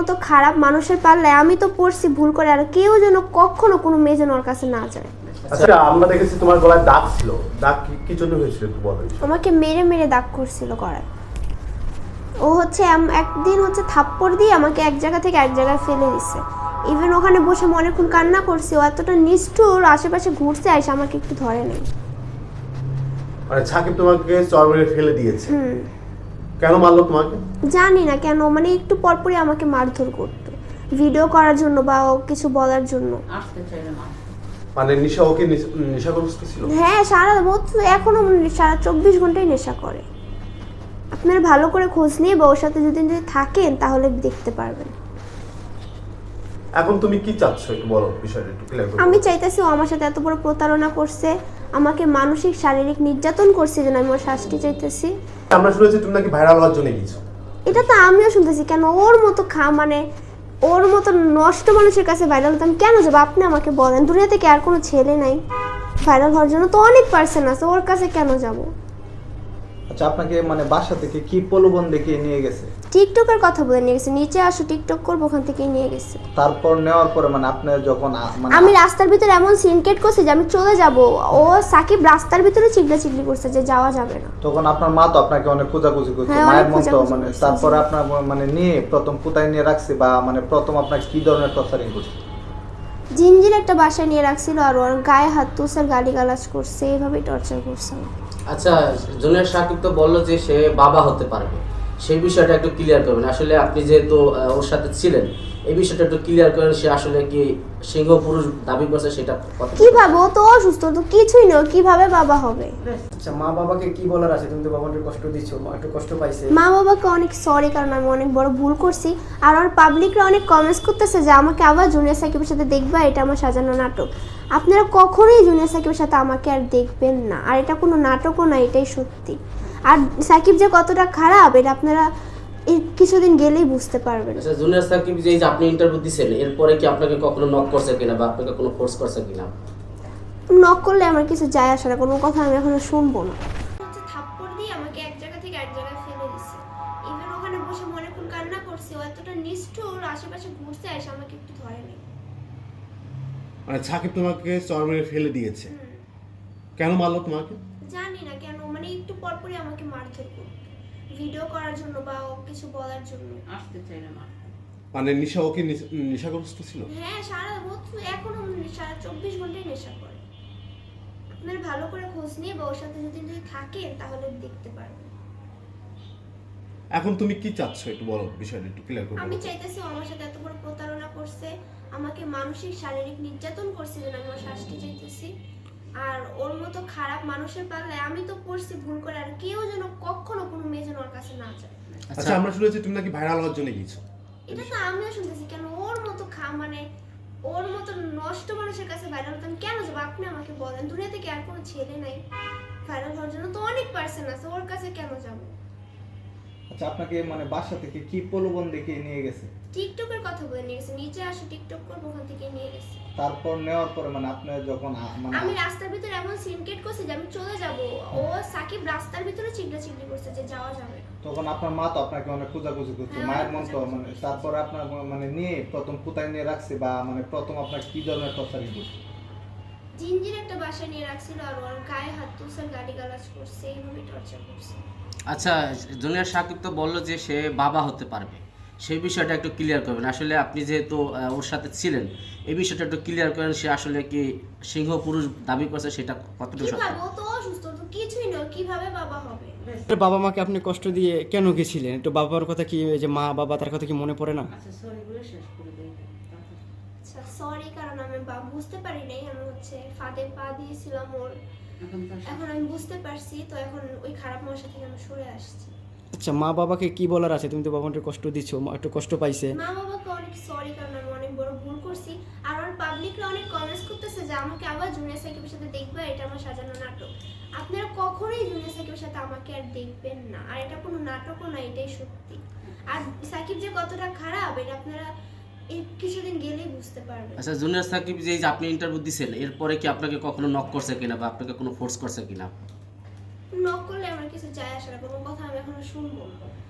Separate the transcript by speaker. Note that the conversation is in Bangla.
Speaker 1: মতো খারাপ মানুষের পাল্লায় আমি তো পড়ছি ভুল করে, আর কেউ যেন কখনো কোনো মেয়ে যেন ওর কাছে না যায়।
Speaker 2: আচ্ছা, আমরা দেখেছি তোমার গলায় দাগ ছিল, দাগ কি জন্য হয়েছিল একটু বলো।
Speaker 1: আমাকে মেরে মেরে দাগ করছিল গলায়। ও হচ্ছে একদিন হচ্ছে থাপ্পড় দিয়ে আমাকে এক জায়গা থেকে এক জায়গায় ফেলে দিছে। ইভেন ওখানে বসে আমি অনেকক্ষণ কান্না করছি, ও এতটা নিষ্ঠুর, আশেপাশে ঘুরছে এসে আমাকে একটু ধরে নেই।
Speaker 2: মানে সাকিব তোমাকে চর মেরে ফেলে দিয়েছে? কেন মারলো তোমাকে?
Speaker 1: জানি না কেন, মানে একটু পরপরই আমাকে মারধর করতো ভিডিও করার জন্য বা ও কিছু বলার জন্য।
Speaker 2: মানে নিশা ওকে নেশাগ্রস্ত ছিল?
Speaker 1: হ্যাঁ, এখনো সারা 24 ঘন্টাই নেশা করে। আপনারা ভালো করে খোঁজ নিয়ে বা ওর সাথে যদি থাকেন তাহলে দেখতে পারবেন।
Speaker 2: এখন তুমি কি চাচ্ছ একটু বলো, বিষয়টা একটু ক্লিয়ার করো।
Speaker 1: আমি চাইতেছি ও আমার সাথে এত বড় প্রতারণা করছে, আমাকে মানসিক শারীরিক নির্যাতন করছে, যেন আমি ওর শাস্তি চাইতেছি।
Speaker 2: আমরা শুনেছি তুমি নাকি ভাইরাল হওয়ার জন্য গিয়েছো।
Speaker 1: এটা তো আমিও শুনতেছি, কেন ওর মতো মানে ওর মতো নষ্ট মানুষের কাছে ভাইরাল হতাম কেন যাবো? আপনি আমাকে বলেন, দুনিয়া থেকে আর কোনো ছেলে নাই ভাইরাল হওয়ার জন্য? তো অনেক পার্সন আছে, ওর কাছে কেন যাব?
Speaker 3: আচ্ছা, আপনাকে মানে বাসা থেকে কি প্রলোভন দেখিয়ে নিয়ে গেছে?
Speaker 1: টিকটকের কথা বলে নিয়ে গেছে, নিচে আসো টিকটক করবো, ওখান থেকেই নিয়ে গেছে।
Speaker 3: তারপর নেওয়ার পরে মানে আপনি যখন মানে
Speaker 1: আমি রাস্তার ভিতরে এমন সিনকেট করছি যে আমি চলে যাব, ও সাকিব রাস্তার ভিতরে চিল্লাচিল্লি করছে যে যাওয়া যাবে না।
Speaker 3: তখন আপনার মা তো আপনাকে অনেক খোঁজাখুঁজি করছে,
Speaker 1: হ্যাঁ,
Speaker 3: মায়ের
Speaker 1: অনেক
Speaker 3: মতো
Speaker 1: খোঁজাখুঁজি
Speaker 3: মানে
Speaker 1: করছে।
Speaker 3: তারপরে আপনার মানে নিয়ে প্রথম কোথায় নিয়ে রাখছে বা মানে প্রথম আপনার কি ধরনের টর্চারিং করছে?
Speaker 1: জিনজির একটা বাসায় নিয়ে রাখছিল, আর ওর গায়ে হাত তুষার গালিগালাজ করছে, এইভাবেই টর্চার করছে।
Speaker 4: আচ্ছা, জুনিয়র সাকিব তো বললো যে সে বাবা হতে পারবে, সেই বিষয়টা একটু ক্লিয়ার করবেন। আসলে আপনি যেহেতু ওর সাথে ছিলেন, এই বিষয়টা একটু ক্লিয়ার করেন। সে আসলে কি সিংহ পুরুষ দাবি করছে সেটা কথা
Speaker 1: কিভাবে? ও তো অসুস্থ, তো কিছুই নয়, কিভাবে বাবা হবে?
Speaker 5: আচ্ছা, মা বাবাকে কি বলার আছে? তুমি তো বাবাকে কষ্ট দিচ্ছ, মা একটু কষ্ট পাইছে।
Speaker 1: মা বাবাকে অনেক সরি, কারণ আমি অনেক বড় ভুল করছি। আর আমার পাবলিকরা অনেক কমেন্টস করতেছে যে আমাকে আবার জুনিয়র সাকিবের সাথে দেখবা, এটা আমার সাজানো নাটক। আপনারা কখনোই জুনিয়র সাকিবের সাথে আমাকে আর দেখবেন না, আর এটা কোনো নাটকও না, এটাই সত্যি। আর সাকিব যে কতটা খারাপ এটা আপনারা এই কিছুদিন গেলেই বুঝতে পারবেন।
Speaker 4: আচ্ছা, জুনিয়র সাকিব যে আপনি ইন্টারভিউ দিয়েছেন, এরপরে কি আপনাকে কখনো নক করছে কিনা বা আপনাকে কোনো ফোর্স করছে কিনা?
Speaker 1: নক করলে আমার কিছু যায় আসে না, কোনো কথা আমি এখনো শুনবো না। থাপ্পড় দিয়ে আমাকে এক জায়গা থেকে এক জায়গায় ফেলে দিছে। ইভেন ওখানে বসে আমি অনেকক্ষণ কান্না করছি, ও এতটা নিষ্ঠুর, আশেপাশে ঘুরছে এসে আমাকে একটু ধরে নেই।
Speaker 2: মানে সাকিব তোমাকে চর মেরে ফেলে দিয়েছে? কেন মারলো তোমাকে?
Speaker 1: জানি না কেন, মানে একটু পরপরই আমাকে মারধর করতো ভিডিও করার জন্য বা ও কিছু বলার জন্য।
Speaker 2: মানে নিশা ওকে নেশাগ্রস্ত ছিল?
Speaker 1: হ্যাঁ, এখনো সারা 24 ঘন্টাই নেশা করে। আপনারা ভালো করে খোঁজ নিয়ে বা ওর সাথে যদি থাকেন তাহলে দেখতে পারবেন।
Speaker 2: এখন তুমি কি চাচ্ছ একটু বলো, বিষয়টা একটু ক্লিয়ার করো।
Speaker 1: আমি চাইতেছি ও আমার সাথে এত বড় প্রতারণা করছে, আমাকে মানসিক শারীরিক নির্যাতন করছে, যেন আমি ওর শাস্তি চাইতেছি। আর ওর মতো খারাপ মানুষের পাল্লায় আমি তো পড়ছি ভুল করে, আর কেউ যেন কখনো কোনো মেয়ে যেন ওর কাছে না যায়।
Speaker 2: আচ্ছা, আমরা শুনেছি তুমি নাকি ভাইরাল হওয়ার জন্য গিয়েছো।
Speaker 1: এটা তো আমিও শুনতেছি, কেন ওর মতো মানে ওর মতো নষ্ট মানুষের কাছে ভাইরাল হতাম কেন যাবো? আপনি আমাকে বলেন, দুনিয়া থেকে আর কোনো ছেলে নাই ভাইরাল হওয়ার জন্য? তো অনেক পার্সন আছে, ওর কাছে কেন যাবো?
Speaker 3: আচ্ছা, আপনাকে মানে বাসা থেকে কি প্রলোভন দেখিয়ে নিয়ে গেছে?
Speaker 1: টিকটকের কথা বলে নিয়ে গেছে, নিচে আসো টিকটক করবো, ওখান থেকে নিয়ে গেছে।
Speaker 3: তারপর নেওয়ার পরে মানে আপনি যখন মানে
Speaker 1: আমি রাস্তার ভিতরে এমন সিনকেট করছি যে আমি চলে যাব, ও সাকিব রাস্তার ভিতরে চিল্লাচিল্লি করছে যে যাওয়া যাবে না।
Speaker 3: তখন আপনার মা তো আপনাকে অনেক খোঁজাখুঁজি করছে,
Speaker 1: হ্যাঁ,
Speaker 3: মায়ের
Speaker 1: অনেক
Speaker 3: মতো
Speaker 1: খোঁজাখুঁজি
Speaker 3: মানে
Speaker 1: করছে।
Speaker 3: তারপরে আপনার মানে নিয়ে প্রথম কোথায় নিয়ে রাখছে বা মানে প্রথম আপনার কি ধরনের টর্চারিং করছে?
Speaker 1: জিনজির একটা বাসায় নিয়ে রাখছিল, আর ওর গায়ে হাত তুষার গালিগালাজ করছে, এইভাবেই টর্চার করছে।
Speaker 4: আচ্ছা, জুনিয়র সাকিব তো বললো যে সে বাবা হতে পারবে, সেই বিষয়টা একটু ক্লিয়ার করবেন। আসলে আপনি যেহেতু ওর সাথে ছিলেন, এই বিষয়টা একটু ক্লিয়ার করেন। সে আসলে কি সিংহ পুরুষ দাবি করছে সেটা কতটুকু সত্য?
Speaker 1: কিভাবে? ও তো অসুস্থ, তো কিছুই নয়, কিভাবে বাবা হবে?
Speaker 6: বাবা মাকে আপনি কষ্ট দিয়ে কেন গেছিলেন? একটু বাবার কথা কি, যে মা বাবা তার কথা কি মনে পড়ে না?
Speaker 1: আচ্ছা সরি, কারণ আমি বুঝতে পারি নাই, আমি হচ্ছে ফাঁদে পা দিয়েছিলাম ওর। এখন আমি বুঝতে পারছি, তো এখন ওই খারাপ মশা থেকে আমি সরে আসছি।
Speaker 6: আচ্ছা, মা বাবাকে কি বলার আছে? তুমি তো বাবাকে কষ্ট দিচ্ছ, মা একটু কষ্ট পাইছে।
Speaker 1: মা বাবাকে অনেক সরি, কারণ আমি অনেক বড় ভুল করছি। আর আমার পাবলিকরা অনেক কমেন্টস করতেছে যে আমাকে আবার জুনিয়র সাকিবের সাথে দেখবা, এটা আমার সাজানো নাটক। আপনারা কখনোই জুনিয়র সাকিবের সাথে আমাকে আর দেখবেন না, আর এটা কোনো নাটকও না, এটাই সত্যি। আর সাকিব যে কতটা খারাপ এটা আপনারা এই কিছুদিন গেলেই বুঝতে পারবেন।
Speaker 4: আচ্ছা, জুনিয়র সাকিব যে আপনি ইন্টারভিউ দিয়েছেন, এরপরে কি আপনাকে কখনো নক করছে কিনা বা আপনাকে কোনো ফোর্স করছে কিনা?
Speaker 1: নক করলে আমার কিছু যায় আসে না, কোনো কথা আমি এখনো শুনবো না।